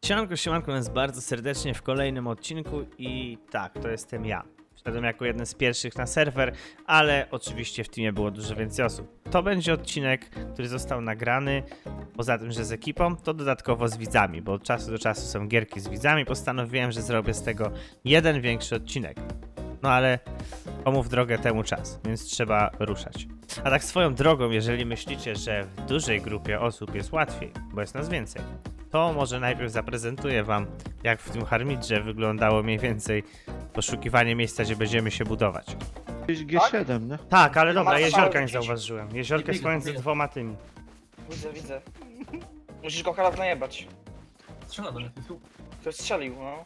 Siemanko nas bardzo serdecznie w kolejnym odcinku i tak, to jestem ja. Wszedłem jako jeden z pierwszych na serwer, ale oczywiście w teamie było dużo więcej osób. To będzie odcinek, który został nagrany, poza tym, że z ekipą, to dodatkowo z widzami, bo od czasu do czasu są gierki z widzami, postanowiłem, że zrobię z tego jeden większy odcinek. No ale komu w drogę temu czas, więc trzeba ruszać. A tak swoją drogą, jeżeli myślicie, że w dużej grupie osób jest łatwiej, bo jest nas więcej, to może najpierw zaprezentuję wam, jak w tym harmidrze wyglądało mniej więcej poszukiwanie miejsca, gdzie będziemy się budować. Gdzieś G7, nie? Tak, ale dobra, Masz jeziorka cały nie gdzieś. zauważyłem. Jeziorka jest pomiędzy dwoma tymi. Widzę. Musisz go Harald najebać. Strzela do mnie, tu Ktoś strzelił, no.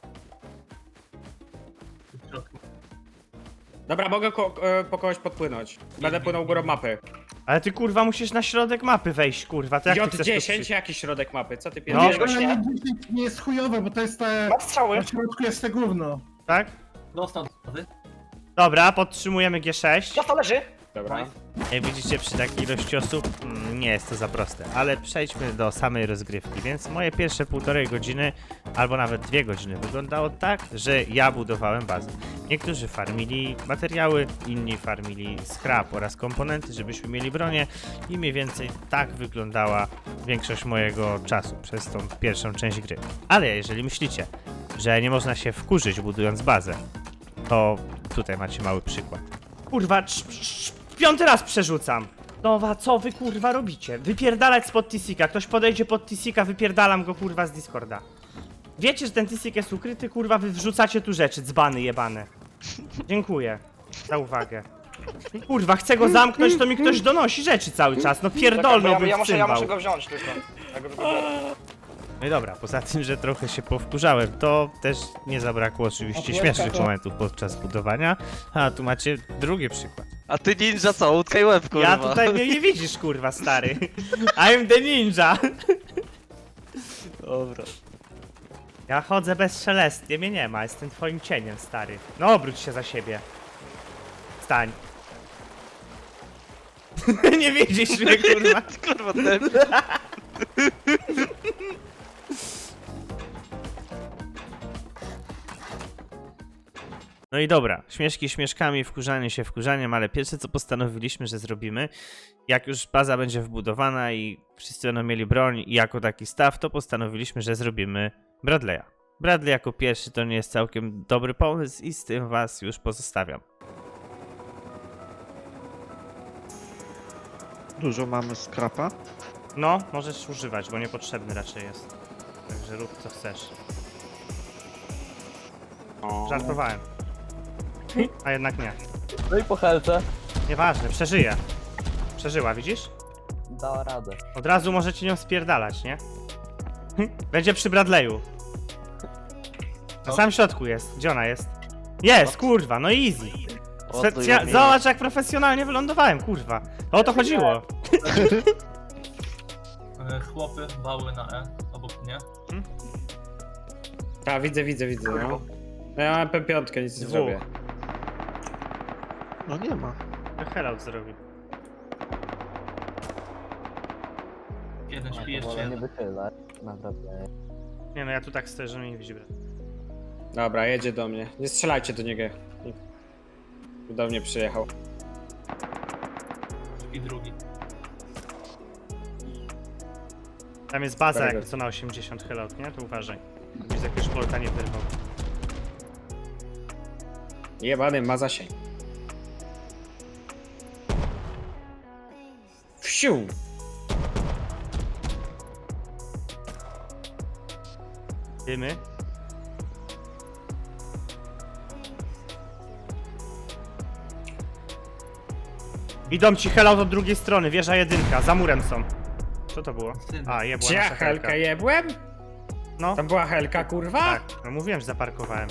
w środku. Dobra, mogę po kogoś podpłynąć. Będę płynął górą mapy. Ale ty kurwa musisz na środek mapy wejść, kurwa, to jak ty chcesz tu J10, przyjść? jaki środek mapy? Co ty No. pierdolisz? Wiesz go nie? Nie jest chujowe, bo to jest te... Ma strzały. Na środku jest te gówno. Tak? Dostał wody. Dobra, podtrzymujemy G6. Dostał, leży. Dobra. Jak widzicie, przy takiej ilości osób nie jest to za proste, ale przejdźmy do samej rozgrywki, więc moje pierwsze półtorej godziny, albo nawet 2 godziny wyglądało tak, że ja budowałem bazę. Niektórzy farmili materiały, inni farmili scrap oraz komponenty, żebyśmy mieli bronię i mniej więcej tak wyglądała większość mojego czasu przez tą pierwszą część gry. Ale jeżeli myślicie, że nie można się wkurzyć budując bazę, to tutaj macie mały przykład. Kurwa, 5. raz przerzucam. Nowa, co wy kurwa robicie? Wypierdalać spod Tisika. Ktoś podejdzie pod Tisika, wypierdalam go kurwa z Discorda. Wiecie, że ten Tisik jest ukryty, kurwa, wy wrzucacie tu rzeczy, dzbany jebane. Dziękuję za uwagę. Kurwa, chcę go zamknąć, to mi ktoś donosi rzeczy cały czas. No pierdolnąłbym ja w muszę cymbał. go wziąć tylko. Ja go wybiorę. No i dobra, poza tym, że trochę się powkurzałem, to też nie zabrakło oczywiście śmiesznych momentów podczas budowania. A tu macie drugi przykład. A ty ninja co? Łódka i łeb, kurwa. Ja tutaj mnie nie widzisz, kurwa, stary. I'm the ninja. Dobra. Ja chodzę bezszelestnie, mnie nie ma, jestem twoim cieniem, stary. No obróć się za siebie. Stań. Nie widzisz mnie, kurwa. Kurwa, ten... No i dobra, śmieszki śmieszkami, wkurzanie się wkurzaniem, ale pierwsze co postanowiliśmy, że zrobimy, jak już baza będzie wbudowana i wszyscy będą mieli broń i jako taki staw, to postanowiliśmy, że zrobimy Bradley'a. Bradley jako pierwszy to nie jest całkiem dobry pomysł i z tym was już pozostawiam. Dużo mamy skrapa. No, możesz używać, bo niepotrzebny raczej jest. Także rób co chcesz. Żartowałem. A jednak nie. No i po helce Nieważne, przeżyje. Przeżyła, widzisz? dała radę. Od razu możecie nią spierdalać, nie? Będzie przy Bradley'u. Na samym środku jest. Gdzie ona jest? Jest, kurwa, no easy. Zobacz jak profesjonalnie wylądowałem, kurwa. O to chodziło. Chłopy wały na E, obok mnie. Tak, widzę, no. No ja mam P5, nic nie Dwóch. zrobię. No nie ma. Hellout zrobi. Jeden śpi, jeszcze Wolę nie jeden. wychylać, naprawdę. Nie no, ja tu tak stoję, że mnie nie widzi Brad. Dobra, jedzie do mnie. Nie strzelajcie do niego. Do mnie przyjechał. I drugi. Tam jest baza Very jak good. co na 80 Hellout, nie? To uważaj. Gdzieś jakiegoś bolta nie wyrwał. Jebany ma zasięg. Wsiu! Dymy. Idą ci Hellout od drugiej strony, wieża jedynka, za murem są. Co to było? A, jebła Gdzie ja nasza helka. helkę jebłem? No, Tam była helka, kurwa? tak, no mówiłem, że zaparkowałem.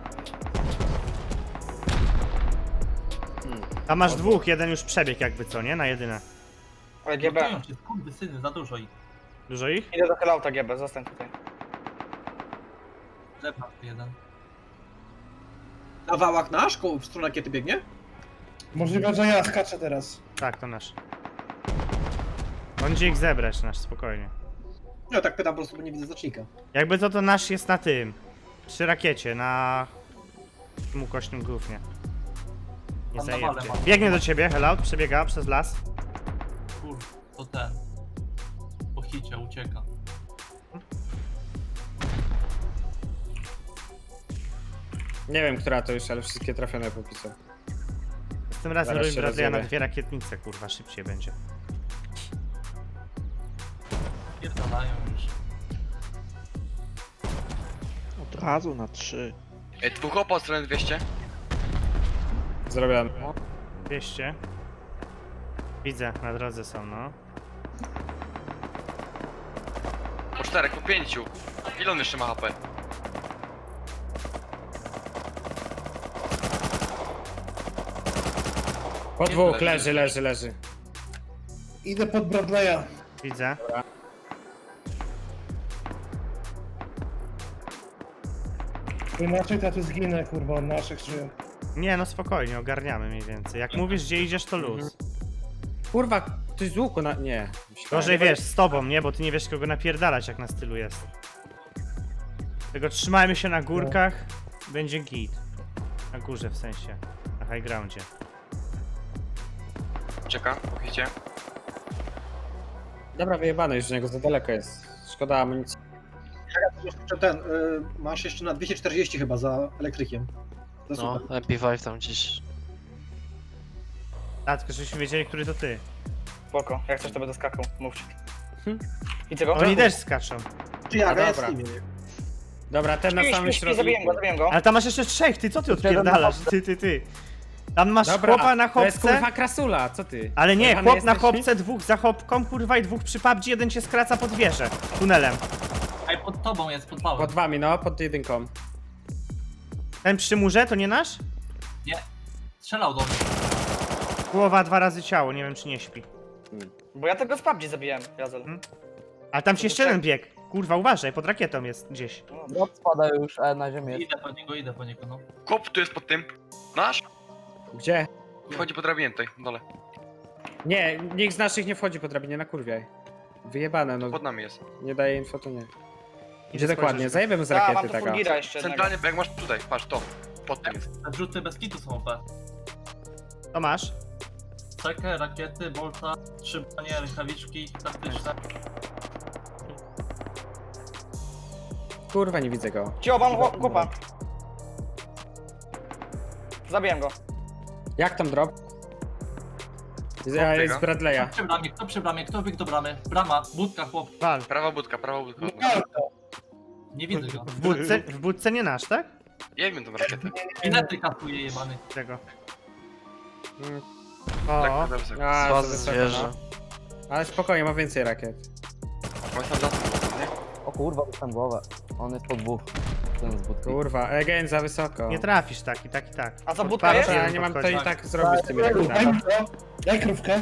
Tam masz dwóch, jeden już przebiegł jakby co, nie? Na jedynę. Ale GB. Blokują cię, skurwysyny, za dużo ich. Dużo ich? Idę do Helauta GB, zostań tutaj. Lepa jeden. Na wałach nasz, w stronę rakiety biegnie? Możliwe, że ja skaczę teraz. Tak, to nasz. On idzie ich zebrać nasz, spokojnie. Ja tak pytam po prostu, bo nie widzę znacznika. Jakby to nasz jest na tym. Przy rakiecie, na... tym ukośnym gównie. Nie Tam na zajebcie. wale mam. Biegnie do ciebie, Hellout, przebiega przez las. Kurde, to ten. Po hicie ucieka. Nie wiem, która to już, ale wszystkie trafione popisał. Z tym razem Zaraz robimy się Bradley'a na rozjebie. 2 rakietnice, kurwa, szybciej będzie. Pierdalają już. Od razu na 3. Dwóch opo, stronę 200. Zrobione. 200. Widzę, na drodze są, no. Po 4, po 5. Ile on jeszcze ma HP? Po dwóch, leży. Idę pod Bradley'a. Widzę. Bo inaczej to ja tu zginę, kurwa, od naszych czy... Nie, no spokojnie, ogarniamy mniej więcej. Jak mówisz, gdzie idziesz, to luz. Kurwa, ktoś z łuku na... Nie. Gorzej wiesz, z tobą, nie? Bo ty nie wiesz kogo napierdalać, jak na stylu jest. Tego trzymajmy się na górkach, będzie git. Na górze w sensie, na high groundzie. Czeka, pochicie. Dobra, wyjebane już z niego, za daleko jest. Szkoda amunicji. Jeszcze ten, masz jeszcze na 240 chyba za elektrykiem. To No, super. MP5 tam gdzieś. A, tylko żebyśmy wiedzieli, który to ty. Spoko, jak coś to będę skakał, mówcie. Widzę go? Oni też skaczą. Czy ja, No ja dobra. z nimi. Dobra, ten na samym środku. Zabiję go. Ale tam masz jeszcze 3, ty co ty odpierdalasz? Ty. Tam masz Dobra, chłopa na to jest chopce. kurwa krasula, co ty? Ale nie, Jebany chłop na jesteś? chopce, 2 za chopką, kurwa, i 2 przy PUBG, jeden cię skraca pod wieżę. Tunelem. Ej, pod tobą jest, pod wałem. Pod wami, no, pod jedynką. Ten przy murze to nie nasz? Nie. Strzelał do mnie. Głowa 2 razy ciało, nie wiem czy nie śpi. Bo ja tego z PUBG zabiłem, Jazel. A tam ci jeszcze jeden bieg. Kurwa, uważaj, pod rakietą jest gdzieś. Drop spada już, na ziemię jest. Idę po niego, no. Kop tu jest pod tym. Nasz? Gdzie? Wchodzi po drabinie tutaj, dole. Nie, nikt z naszych nie wchodzi po drabinie, na kurwiaj. Wyjebane, no. Pod nami jest. Nie daje info, to nie. Gdzie Idzie dokładnie? spojrzeć. Zajebiemy z A, mam rakiety tu tego. Fulgira jeszcze jednego. Centralnie, jak masz tutaj, patrz to. Pod tym jest. Te wrzuty bez kitu są OP. To masz? Cekę, rakiety, bolta, 3 bronie, rękawiczki taktyczne. Kurwa, nie widzę go. Cio, mam chłopa. Zabiłem go. Jak tam drop? Ja jest z Bradley'a. Kto przy bramie, kto biegł do bramy? Brama, budka, chłop. Wal. Prawa budka, prawa budka. Nie widzę go. W budce nie nasz, tak? Ja wiem tą rakietę. Bilety kasuje jebany. Tego. Mm. Tak, O, za wysoko. A, Bazy za wysoko, zwierzę. no. Ale spokojnie, ma więcej rakiet. On tam za tym, nie? O kurwa, dostałem głowę. On jest po 2. Ten z budki. Kurwa, again za wysoko. nie trafisz tak. A za Pod budka parę jest? Ja jeden nie mam to podchodzi. i tak zrobić z tymi Daj rakietami. mi to. Daj krówkę.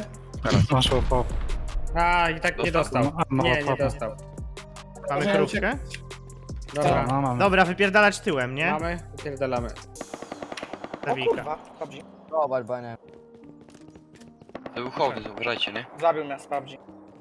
A, i tak nie dostał. Nie, nie dostał. Mamy Możemy krówkę? Dobra, Dobra, wypierdalać tyłem, nie? mamy, wypierdalamy. O Zawika. kurwa, PUBG. Zobacz, bo ja nie wiem. To był hołdy, uważajcie, nie? Zabił mnie z PUBG.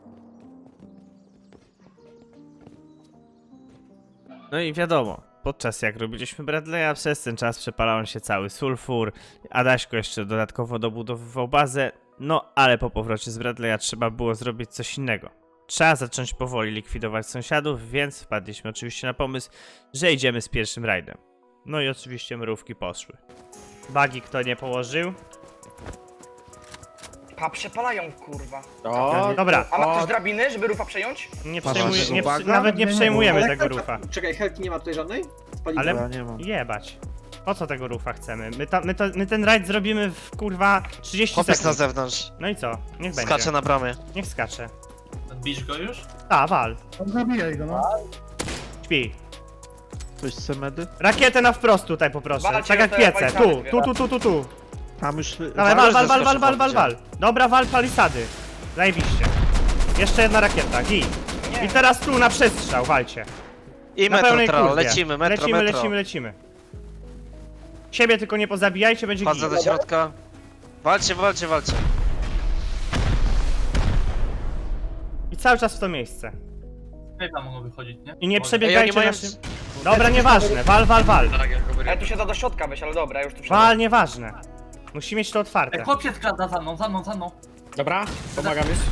No i wiadomo, podczas jak robiliśmy Bradley'a, przez ten czas przepalał się cały sulfur, Adaśko jeszcze dodatkowo dobudowywał bazę, no ale po powrocie z Bradley'a trzeba było zrobić coś innego. Trzeba zacząć powoli likwidować sąsiadów, więc wpadliśmy oczywiście na pomysł, że idziemy z pierwszym rajdem. No i oczywiście mrówki poszły. Bagi kto nie położył? Pa, przepalają kurwa. O, Dobra, A ma O. ktoś drabiny, żeby rufa przejąć? nie Masz przejmuj, jeszcze nie, baga? nawet nie przejmujemy Ale tego helka- rufa. Czekaj, helki nie ma tutaj żadnej? Spaliwo. Ale Ja nie mam. jebać. Po co tego rufa chcemy? My ten rajd zrobimy w kurwa 30 Chłopiec na sekund. zewnątrz. No i co? Niech będzie. Skacze na bramie. Niech skacze. Bisz go już? A, wal. Zabijaj go, no. Śpi. Ktoś chce medy? Rakietę na wprost tutaj poproszę. Walcie Tak jak te piece. palisady Tu. Tam już... Dawaj, wal. Dobra, wal palisady. Zajebiście. Jeszcze jedna rakieta. Git. I teraz tu na przestrzał, walcie. I Na metro pełnej trał, kurwie. lecimy, metro. Lecimy. Siebie tylko nie pozabijajcie, będzie Wchodzę git. do środka. Walcie. I cały czas w to miejsce. Cave'a mogą wychodzić, nie? I nie Ej, przebiegajcie oni mają- naszym... Dobra, nieważne, wal. Tak, jak go Ale tu się da do środka wejść, ale dobra, już tu wszedłem. Wal, nieważne. Musi mieć to otwarte. Chłop się skrada za mną. Dobra, pomagam już.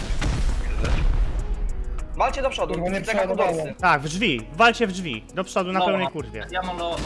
Walcie do przodu, Kurwa, nie tak jak przeładowało. dorsy. Tak, w drzwi. Walcie w drzwi. Do przodu na No, pełnej no. kurwie. Ja mam malo.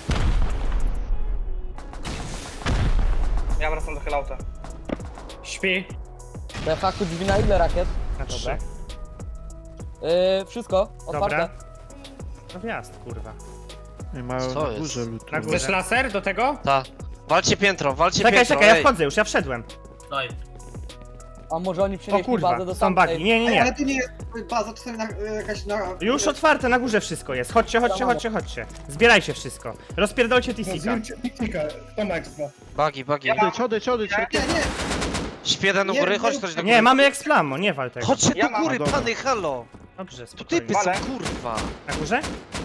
Ja wracam do Hellauta. Śpi. Te haku drzwi na ile rakiet? Na 3. Dobra. Wszystko, Dobra. otwarte. No wjazd, kurwa. Nie mają Co na jest? górze lutu. Na górze. Chcesz laser do tego? Tak. Walcie piętro, walcie Czekaj, piętro. czekaj, ja ej. wchodzę już, ja wszedłem. Daj. A może oni O przenieśli kurwa, bazę do są tamtej? bagi. Nie, nie, Ej, ale nie. tu nie jest baza, czasami jakaś na... Już otwarte, na górze wszystko jest. Chodźcie. Zbierajcie wszystko. Rozpierdolcie TC-ka. Zbiercie Picnika, kto ma ekstra? Bagi. Odejdź, Nie, nie, Śpi jeden u Nie, góry, nie, chodź ktoś do góry. Nie, mamy eksplamo, nie wal tego. Chodźcie Ja do mam. góry, Dobra. pany, halo. Dobrze, Tu spokojnie. typy są, Wale. kurwa. Na górze?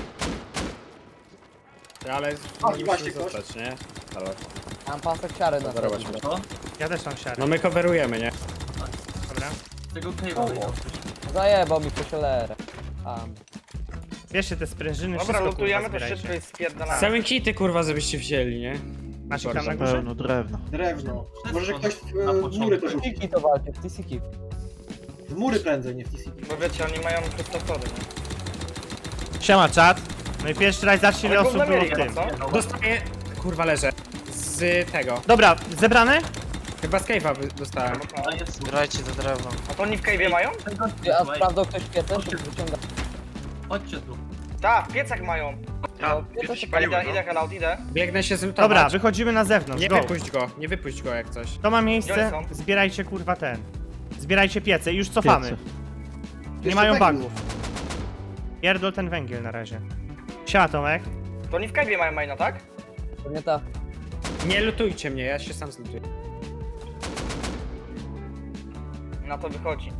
Ale właśnie musimy ktoś. zostać, nie? Halo. Mam pasek siary na Zobacz, sobie. Co? Ja też mam siarę. No my coverujemy, nie? Dobra. Tego Cave'a wyjdą. Zajebał mi kosiolerę. Bierzcie te sprężyny, Dobra, wszystko lutujemy kurwa to szybko zbierajcie. i spierdalamy. Same kity kurwa, żebyście wzięli, nie? Masz ich tam na górze? Pełno drewna. drewno. Może ktoś Na w początku. mury to rzuci. Tiki to walcie, w TCK. W mury prędzej, nie w TCP. Bo wiecie, oni mają kryptofory, nie? Siema, czat. No i pierwszy raz zacznij, ile Ale osób gówno było w mieli, tym. co? Dostaję... Kurwa, leżę. Z tego. Dobra, zebrane? Chyba z cave'a dostałem. A jest. Zbierajcie to drewno. A to oni w cave'ie mają? A sprawdzał ktoś piecę, czy wyciąga? Chodźcie tu. Tak, w piecach mają. A, No, piece się paliły, Idę, no. idę Hellout, idę. Biegnę się zlutować. Dobra, wychodzimy na zewnątrz, Nie go. wypuść go jak coś. To ma miejsce, Gdzie oni są? zbierajcie kurwa ten. Zbierajcie piece i już cofamy. Piece. Nie Jeszcze mają węgiel. bugów. Pierdol ten węgiel na razie. Siema Tomek. To oni w cave'ie mają maina, tak? Pewnie tak. Nie lutujcie mnie, ja się sam zlutuję. Na to wychodzi.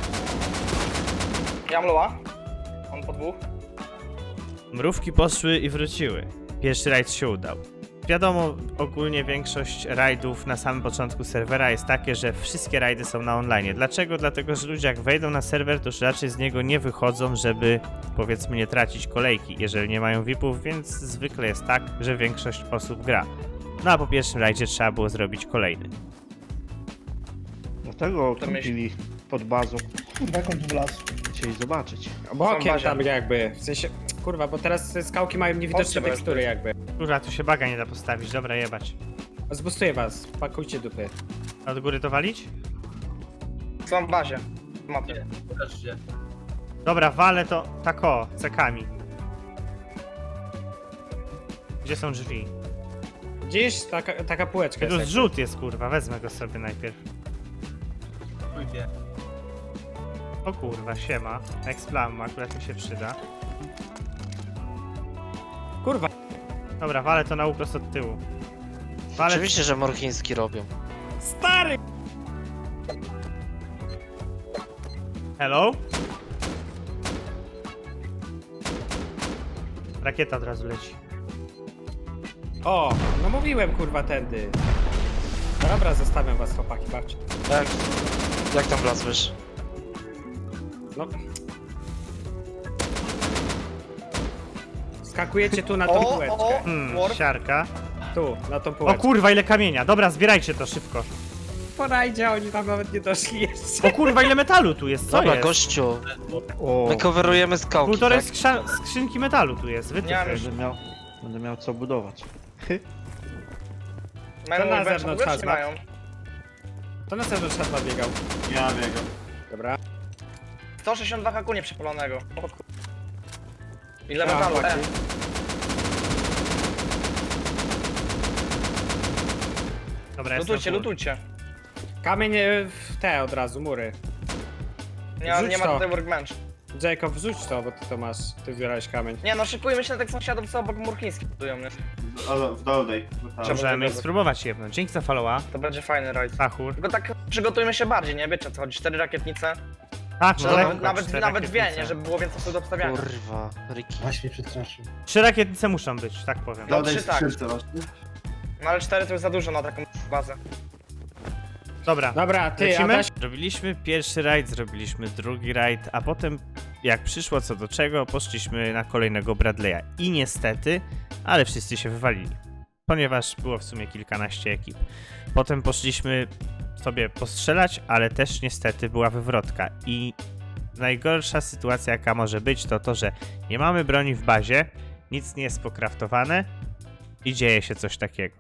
Ja mam loa. On po dwóch. Mrówki poszły i wróciły. Pierwszy rajd się udał. Wiadomo, ogólnie większość rajdów na samym początku serwera jest takie, że wszystkie rajdy są na online. Dlaczego? Dlatego, że ludzie jak wejdą na serwer, to już raczej z niego nie wychodzą, żeby powiedzmy nie tracić kolejki, jeżeli nie mają VIP-ów, więc zwykle jest tak, że większość osób gra. No a po pierwszym rajdzie trzeba było zrobić kolejny. Dlatego To myśl- kupili pod bazą. Kurwa, jak on tu wlazł? Chcieli zobaczyć. Bokiem bazia. tam jakby, w sensie... Kurwa, bo teraz te skałki mają niewidoczne Chodźcie, bo tekstury jakby. Kurwa, tu się baga nie da postawić, dobra jebać. Zbustuję was, pakujcie dupy. Od góry to walić? Są w bazie. Mapy. Nie, wreszcie. Dobra, walę to tako, cekami. Gdzie są drzwi? Gdzieś taka półeczka Tu jest. jakby. zrzut jest kurwa, wezmę go sobie najpierw. Pójdzie. O kurwa, siema. Explam akurat mi się przyda. Kurwa, Dobra, walę to na uprost od tyłu. Walę... Oczywiście, że morchiński robią. stary! Hello? Rakieta od razu leci. O, no mówiłem kurwa tędy. Dobra, zostawiam was chłopaki, bawcie. Jak tam wlazłeś? No. Skakujecie tu na tą półeczkę. Warp. Siarka. Tu, na tą O półeczkę. kurwa, ile kamienia. Dobra, zbierajcie to szybko. Porajdzie, oni tam nawet nie doszli jeszcze. O kurwa, ile metalu tu jest, co Dobra, jest? gościu. O, My coverujemy skałki, Półtorej tak? skrzynki metalu tu jest, Nie mam wytyfy. będę miał co budować. Mają To na węże, zewnątrz w ogóle czy nie hazmat. mają? To na zewnątrz chyba biegał. Ja biegam. Dobra. 162 haku nieprzepalonego. O kur- Ile Ja, metalu? chłopaki. Dobra, jest Lutujcie, na pół. lutujcie. Kamień w te od razu, mury. Nie, Wrzuć nie ma to. tutaj workbench. Jacob, wrzuć to, bo ty to masz. Ty zbierałeś kamień. Nie no, szykujmy się na tych sąsiadów, co obok murchińskich budują, nie? W dolnej. Możemy spróbować jebnąć. Dzięki za followa. To będzie fajny rajd. Pachur. Tylko tak przygotujmy się bardziej, nie? Wiecie o co chodzi, 4 rakietnice. Tak, Czy no nawet, lekko, nawet, 4 nawet dwie, rakietnice. nie? Żeby było więcej do obstawiania. Kurwa, Ricky. Aś mnie przestraszył. 3 rakietnice muszą być, tak powiem. No 3 tak. No ale 4 to już za dużo na taką bazę. Dobra, Dobra, ty, lecimy? Adaś. Zrobiliśmy pierwszy rajd, zrobiliśmy drugi rajd, a potem jak przyszło co do czego, poszliśmy na kolejnego Bradley'a. I niestety, ale wszyscy się wywalili. Ponieważ było w sumie kilkanaście ekip. Potem poszliśmy sobie postrzelać, ale też niestety była wywrotka. I najgorsza sytuacja jaka może być to to, że nie mamy broni w bazie, nic nie jest pokraftowane i dzieje się coś takiego.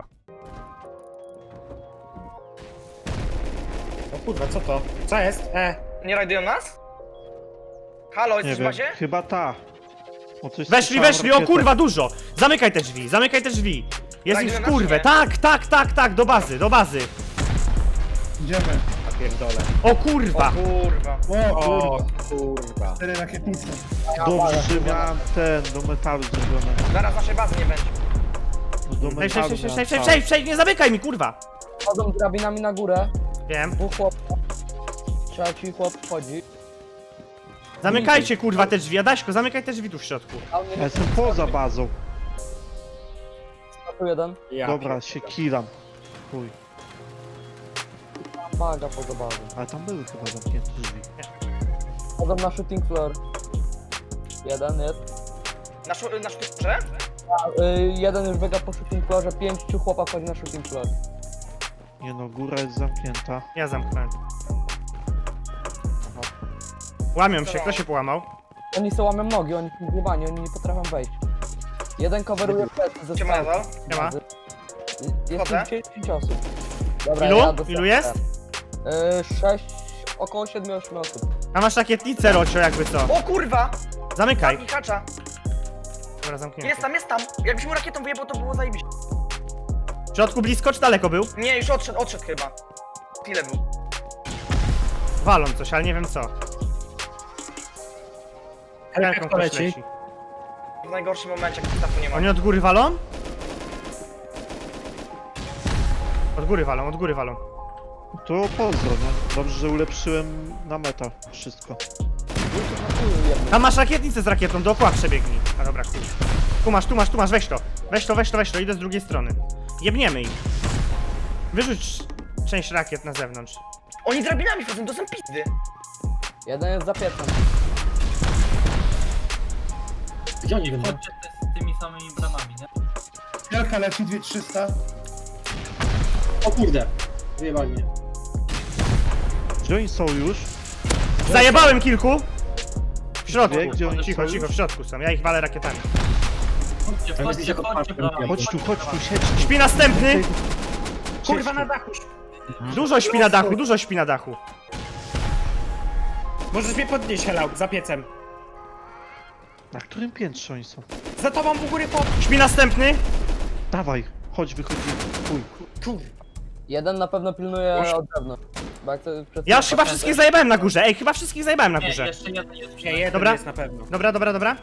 O kurwa, co to? Co jest? Nie rajdują nas? Halo, Nie jesteś w wiem, bazie? chyba ta. O, coś Weszli, słyszałem weszli, o rakietę. kurwa, dużo! Zamykaj te drzwi, zamykaj te drzwi! Jest ich w Rajdują nas, kurwę, nie? tak, do bazy, do bazy! Idziemy. Napierdolę. O kurwa! Kurwa. O O kurwa. kurwa. 4 rakietnice. Dobrze, że miałem do metalu zrobione. Zaraz naszej bazy nie będzie. Do Przejdź, metalu przejdź, nie zamykaj mi, kurwa! Chodzą drabinami na górę. Wiem. Dwóch chłopów. Trzeci chłop wchodzi. Zamykajcie, kurwa, te drzwi, Adaśko, zamykaj te drzwi tu w środku. A mnie Ja jestem poza bazą. tu jeden. Ja Dobra, się kilam. Chuj. Maga poza bazą. Ale tam były chyba zamknięte drzwi. Chodzą na shooting floor. Jeden jest. Na sztuce? Jeden już biega po shooting floorze, 5 chłopa wchodzi na shooting floor. Nie no, góra jest zamknięta. Ja zamknąłem. Łamią się, kto się połamał? Oni sobie łamią nogi, oni są zjebani, oni nie potrafią wejść. Jeden coveruje plecy ze Ciema skałki. nadal? Nie ma. Jest Wchodzę. 10 osób. Dobra, Ilu? ja dostaję. Ilu jest? 6, około 7-8 osób. A masz rakietnicę, Rocio, jakby co. O kurwa! Zamykaj. I hacza. Dobra, zamknięty. Jest tam. Jakbyś mu rakietą wyjebał, to było zajebiście. W środku blisko, czy daleko był? Nie, już odszedł chyba. Tyle był. Walą coś, ale nie wiem co. Helka Helką kto ktoś leci? leci. W najgorszym momencie, jak stafu nie ma. Oni od góry walą? Od góry walą. To pozdro, nie? Dobrze, że ulepszyłem na metal wszystko. Tam masz rakietnicę z rakietą, dookoła przebiegnij. A dobra, chuj. Tu masz, weź to, idę z drugiej strony. Jebniemy ich. Wyrzuć część rakiet na zewnątrz. Oni drabinami wchodzą, to są pizdy. Jeden jest za piecem. Gdzie oni będą? Chodźcie z tymi samymi bramami, nie? Wielka leci 2300. O kurde. Wyjebali mnie. Gdzie oni są już? Zajebałem kilku! W środku. Wie, gdzie oni Cicho, są cicho, już? w środku są, ja ich walę rakietami. Chodźcie, chodźcie bramami. Chodź tu, siedź. Śpi następny! Kurwa na dachu. Dużo śpi na dachu. Możesz mnie podnieść, Helał, za piecem. Na którym piętrze oni są? Za tobą u góry pod... Śpi następny! Dawaj, chodź, wychodzimy. Chuj. Jeden na pewno pilnuje od zewnątrz. Bo jak to przed Ja już chyba wszystkich zajebałem na górze, chyba wszystkich zajebałem na Nie, górze. jeszcze jeden jest Nie, jeden Dobra. jest na pewno. Dobra.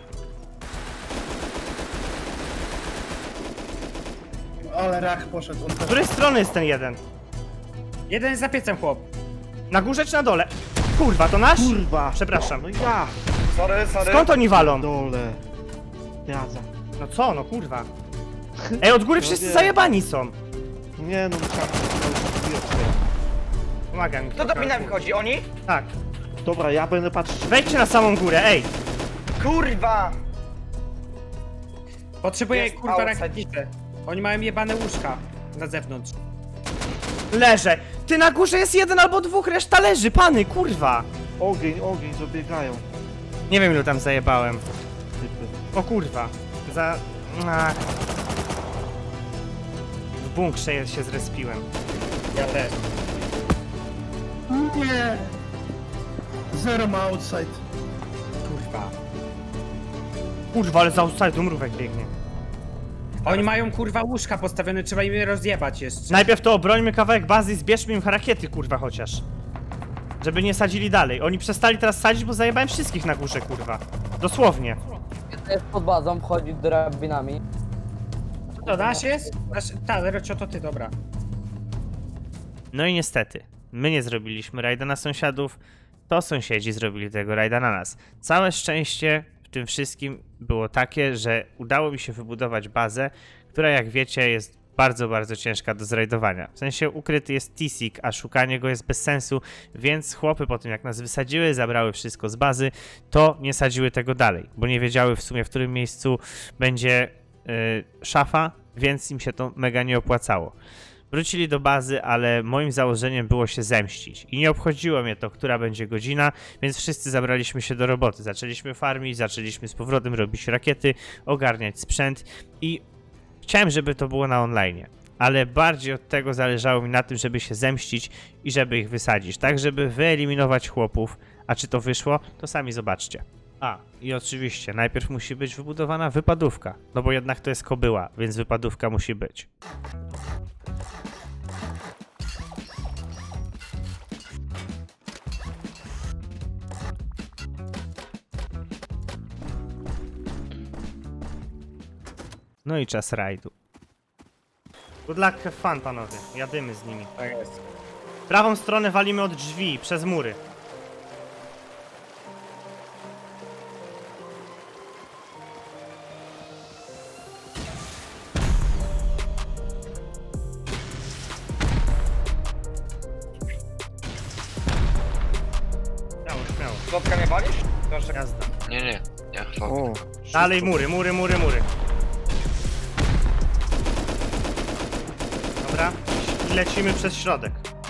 Ale rak poszedł. On Z której strony jest ten jeden? Jeden jest za piecem, chłop. Na górze czy na dole? Kurwa, to nasz? Kurwa! Przepraszam. No ja! Sorry. Skąd oni walą? Dole. Jaza. No co, no kurwa. Ej, od góry wszyscy wiem. zajebani są. Nie no, Pomagam mi. Kto drabinami wchodzi? Oni? Tak. Dobra, ja będę patrzył. Wejdźcie na samą górę, ej. Kurwa! Potrzebuję, Jest kurwa, outside. rakietnicę. Oni mają jebane łóżka na zewnątrz. Leżę. Ty, na górze jest jeden albo dwóch, reszta leży, pany, kurwa. Ogień, zabiegają. Nie wiem, ilu tam zajebałem. Typy. O kurwa. Ach. W bunkrze się zrespiłem. Ja też. Nie. Zero ma outside. Kurwa. Kurwa, ale za outside mrówek biegnie. Oni mają, kurwa, łóżka postawione, trzeba im je rozjebać jeszcze. Najpierw to obrońmy kawałek bazy i zbierzmy im rakiety, kurwa, chociaż. Żeby nie sadzili dalej. Oni przestali teraz sadzić, bo zajebałem wszystkich na górze, kurwa. Dosłownie. Jeden jest pod bazą, wchodzi drabinami. To nasz jest? Tak, Rocio, to ty, dobra. No i niestety, my nie zrobiliśmy rajda na sąsiadów, to sąsiedzi zrobili tego rajda na nas. Całe szczęście w tym wszystkim było takie, że udało mi się wybudować bazę, która jak wiecie jest bardzo, bardzo ciężka do zrajdowania. W sensie ukryty jest T-Sig, a szukanie go jest bez sensu, więc chłopy po tym jak nas wysadziły, zabrały wszystko z bazy, to nie sadziły tego dalej, bo nie wiedziały w sumie w którym miejscu będzie szafa, więc im się to mega nie opłacało. Wrócili do bazy, ale moim założeniem było się zemścić. I nie obchodziło mnie to, która będzie godzina, więc wszyscy zabraliśmy się do roboty. Zaczęliśmy farmić, zaczęliśmy z powrotem robić rakiety, ogarniać sprzęt i chciałem, żeby to było na online. Ale bardziej od tego zależało mi na tym, żeby się zemścić i żeby ich wysadzić, tak żeby wyeliminować chłopów. A czy to wyszło, to sami zobaczcie. A, i oczywiście, najpierw musi być wybudowana wypadówka, no bo jednak to jest kobyła, więc wypadówka musi być. No i czas rajdu. Good luck, have fun, panowie. Jadymy z nimi. Tak jest. Prawą stronę walimy od drzwi, przez mury. Śmiało, śmiało. Slotka nie walisz? To jeszcze Jazda. Nie. Ja chwalę. O, Dalej mury, mury, mury, mury. Dobra. I lecimy przez środek.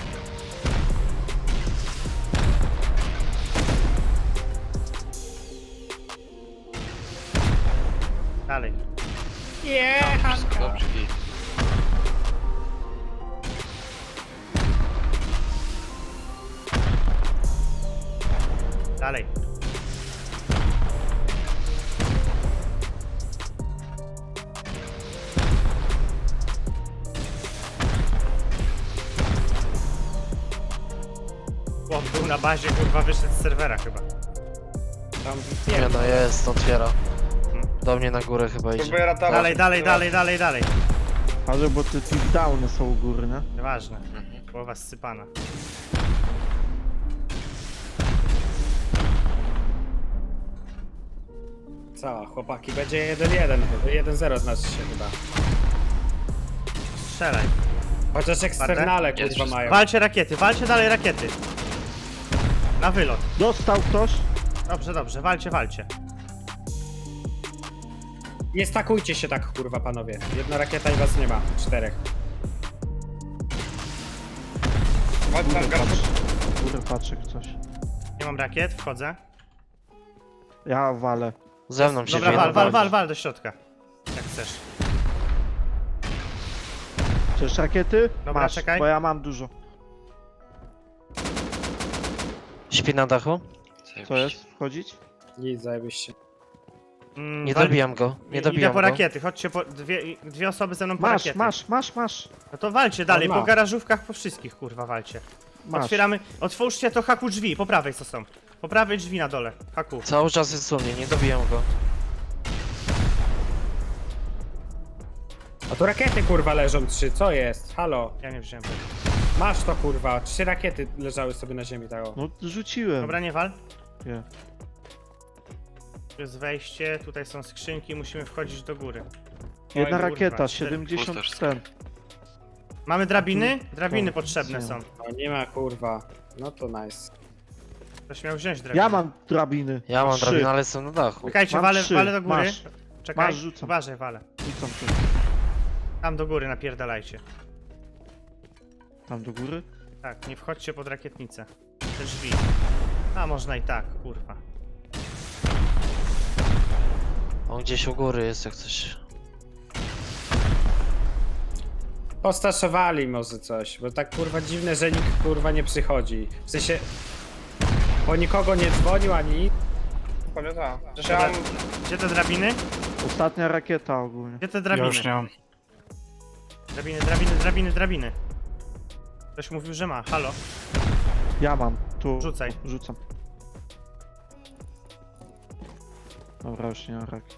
Dalej. Wszystko dobrze, git. Dalej. Chłop był na bazie, kurwa, wyszedł z serwera chyba. Tam Nie no, jest, otwiera. Do mnie na górę chyba idzie. próbuję ratować. Dalej, dalej, dalej, dalej, dalej. ale bo te downy są u góry, nie? Nieważne. Głowa zsypana. Co, chłopaki, będzie 1-1, 1-0 znaczy się chyba. Strzelaj. Chociaż eksternale Jest kurwa wszystko. mają. Walcie rakiety, walcie dalej rakiety. Na wylot. Dostał ktoś? Dobrze, dobrze, walcie, walcie. Nie stakujcie się tak kurwa panowie. Jedna rakieta i was nie ma. 4. Chodź tam, garbu. Góry patrzę coś. Nie mam rakiet, wchodzę. Ja walę. Ze mną się Dobra, wjeżdża. wal do środka. Jak chcesz. Chcesz rakiety? Dobra, Masz, czekaj. bo ja mam dużo. Śpi na dachu? Co jest? Wchodzić? Nic, zajebiście. Nie dobijam go, nie Idę dobijam po go. rakiety, chodźcie po dwie osoby ze mną po Masz, rakiety. masz. No to walcie dalej, On ma. po garażówkach, po wszystkich, kurwa, walcie. Masz. Otwieramy, otwórzcie to haku drzwi, po prawej co są. Po prawej drzwi na dole, haku. Cały czas jest u mnie, nie dobijam go. A tu rakiety kurwa leżą 3, co jest? Halo? Ja nie wziąłem. Masz to kurwa, 3 rakiety leżały sobie na ziemi tak o. No rzuciłem. Dobra, nie wal. Nie. Tu jest wejście, tutaj są skrzynki, musimy wchodzić do góry. Jedna Oj, kurwa, rakieta, 4. 70 Pusto ten. Mamy drabiny? Drabiny To, potrzebne nie. są. O, nie ma kurwa. No to nice. Ktoś miał wziąć drabiny. Ja mam drabiny. Ja mam 3. drabinę, ale jestem na dachu. Czekajcie, Mam walę, 3. walę do góry. Masz. Czekaj, Masz, rzucam. uważaj, walę. Rzucam tu. Tam do góry napierdalajcie. Tam do góry? Tak, nie wchodźcie pod rakietnicę. Te drzwi. A można i tak, kurwa. On gdzieś u góry jest jak coś. Postaszowali może coś, bo tak kurwa dziwne, że nikt kurwa nie przychodzi. W sensie... Po nikogo nie dzwonił ani nic. Pewnie tak. Przecież ja mam... Gdzie te drabiny? Ostatnia rakieta ogólnie. Gdzie te drabiny? mam. Drabiny, drabiny, drabiny, drabiny. Ktoś mówił, że ma. Halo? Ja mam. Tu. Rzucaj. Rzucam. Dobra, już nie mam rakiet.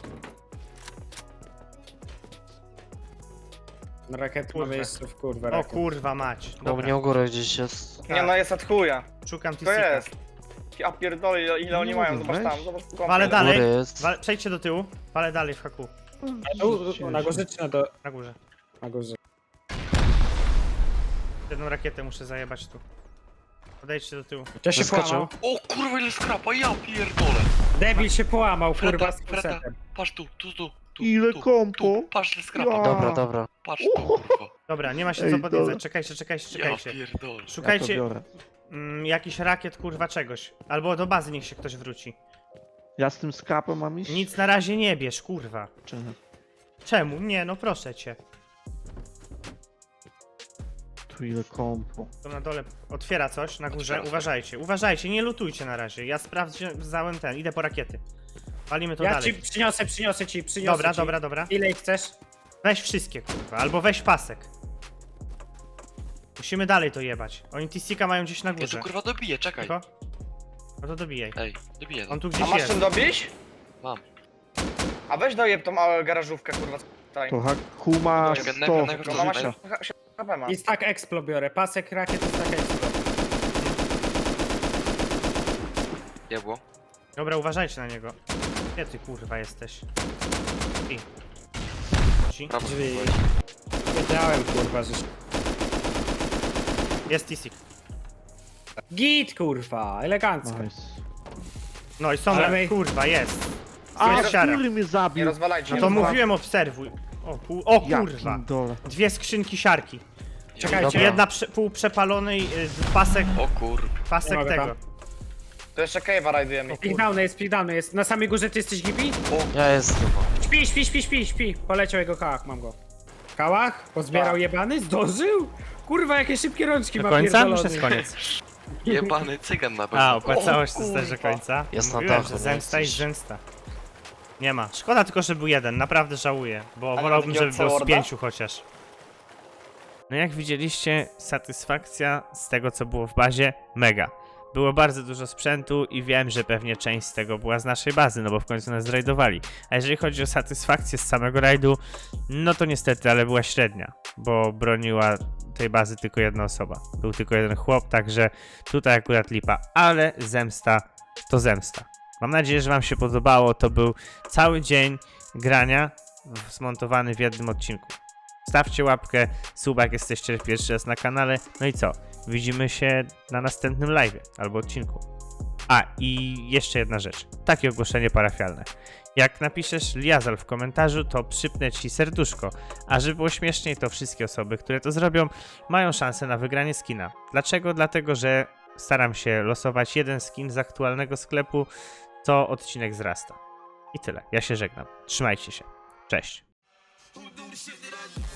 No rakiety Kurwa. mamy jeszcze w kurwę O rakiet. kurwa mać. U Dobra, mnie u góry gdzieś jest. Nie no, jest od chuja. szukam To T-Sika. jest. Ja pierdolę, ile oni Nie mają, mogę zobacz tam, wejść. zobacz tu Wale kąpiel. dalej. Góry jest. Przejdźcie do tyłu. Walę dalej w haku. Tu, na górze czy na, Na górze. na górze? Jedną rakietę muszę zajebać tu. Podejdźcie do tyłu. To się Wyskoczył. połamał. O kurwa, ile skrapa, ja pierdolę. Debil się połamał, Freda, kurwa, z Freda. kusetem. Patrz tu. Ile tu, kompo? Tu, patrz ile skrapa. Ja. Dobra, dobra. Patrz tu, kurwa. Dobra, nie ma się Ej, co dobra. podniecać. Czekajcie. Ja pierdolę. Ja to Szukajcie biorę. jakiś rakiet, kurwa, czegoś. Albo do bazy niech się ktoś wróci. Ja z tym skrapem mam iść? Nic na razie nie bierz, kurwa. Czy nie? Czemu? Nie, no proszę cię. Tu ile kompo. To na dole otwiera coś, na górze. Otwiera. Uważajcie, nie lutujcie na razie. Ja sprawdzałem ten, idę po rakiety. Palimy to Ja dalej. ci przyniosę ci. Dobra. Ile ich chcesz? Weź wszystkie, kurwa, albo weź pasek. Musimy dalej to jebać. Oni Tisika mają gdzieś na Ja tu górze. kurwa dobiję, czekaj. Tylko? No to dobijaj. Ej, dobiję. On tu A gdzieś masz jest. czym dobić? Mam. A weź dojeb tą małą garażówkę, kurwa. Tutaj. To Hakuma Czekaj, 100. najpierw No mama życia. się HP ma. I tak Explo biorę. Pasek rakiet i tak Explo. Jebło. Dobra, uważajcie na niego. Gdzie ty kurwa jesteś? I. Ci. Prawo Drzwi. byłeś. Wiedziałem, kurwa, że... Jest Tisik. Git, kurwa, elegancko. Nice. No i są, Ale my- kurwa, jest. A, Jest siara. który mnie Nie zabił? rozwalajcie. No nie to rozwalajcie. mówiłem, obserwuj. O Ja kurwa. pindole. Dwie skrzynki siarki. Czekajcie. Dobra. Jedna pół przepalonej, pasek, O kurwa. pasek mogę tego. tam. To jeszcze cave'a rajdujemy. Speedowny jest. Na samej górze ty jesteś Gibi? Ja jestem. Śpi. Poleciał jego kałach, mam go. Kałach? Pozbierał Tak. jebany? Zdążył? Kurwa, jakie szybkie rączki Do ma końca? pierdolony. Już jest koniec. Jebany cygan na pewno. A, opłacało się O, też do kurwa. końca. Jest na Mówiłem, dachu, że nie zemsta i jesteś. zemsta. Nie ma. Szkoda tylko, że był jeden. Naprawdę żałuję. Bo nie wolałbym, takiego żeby było z C-Worda? 5 chociaż. No jak widzieliście, satysfakcja z tego, co było w bazie, mega. Było bardzo dużo sprzętu i wiem, że pewnie część z tego była z naszej bazy, no bo w końcu nas zrajdowali. A jeżeli chodzi o satysfakcję z samego rajdu, no to niestety, ale była średnia, bo broniła tej bazy tylko jedna osoba. Był tylko jeden chłop, także tutaj akurat lipa, ale zemsta to zemsta. Mam nadzieję, że wam się podobało. To był cały dzień grania zmontowany w jednym odcinku. Stawcie łapkę, suba jak jesteście pierwszy raz na kanale. No i co? Widzimy się na następnym live albo odcinku. A i jeszcze jedna rzecz. Takie ogłoszenie parafialne. Jak napiszesz Liazal w komentarzu, to przypnę ci serduszko. A żeby było śmieszniej, to wszystkie osoby, które to zrobią, mają szansę na wygranie skina. Dlaczego? Dlatego, że staram się losować jeden skin z aktualnego sklepu, co odcinek wzrasta. I tyle. Ja się żegnam. Trzymajcie się. Cześć.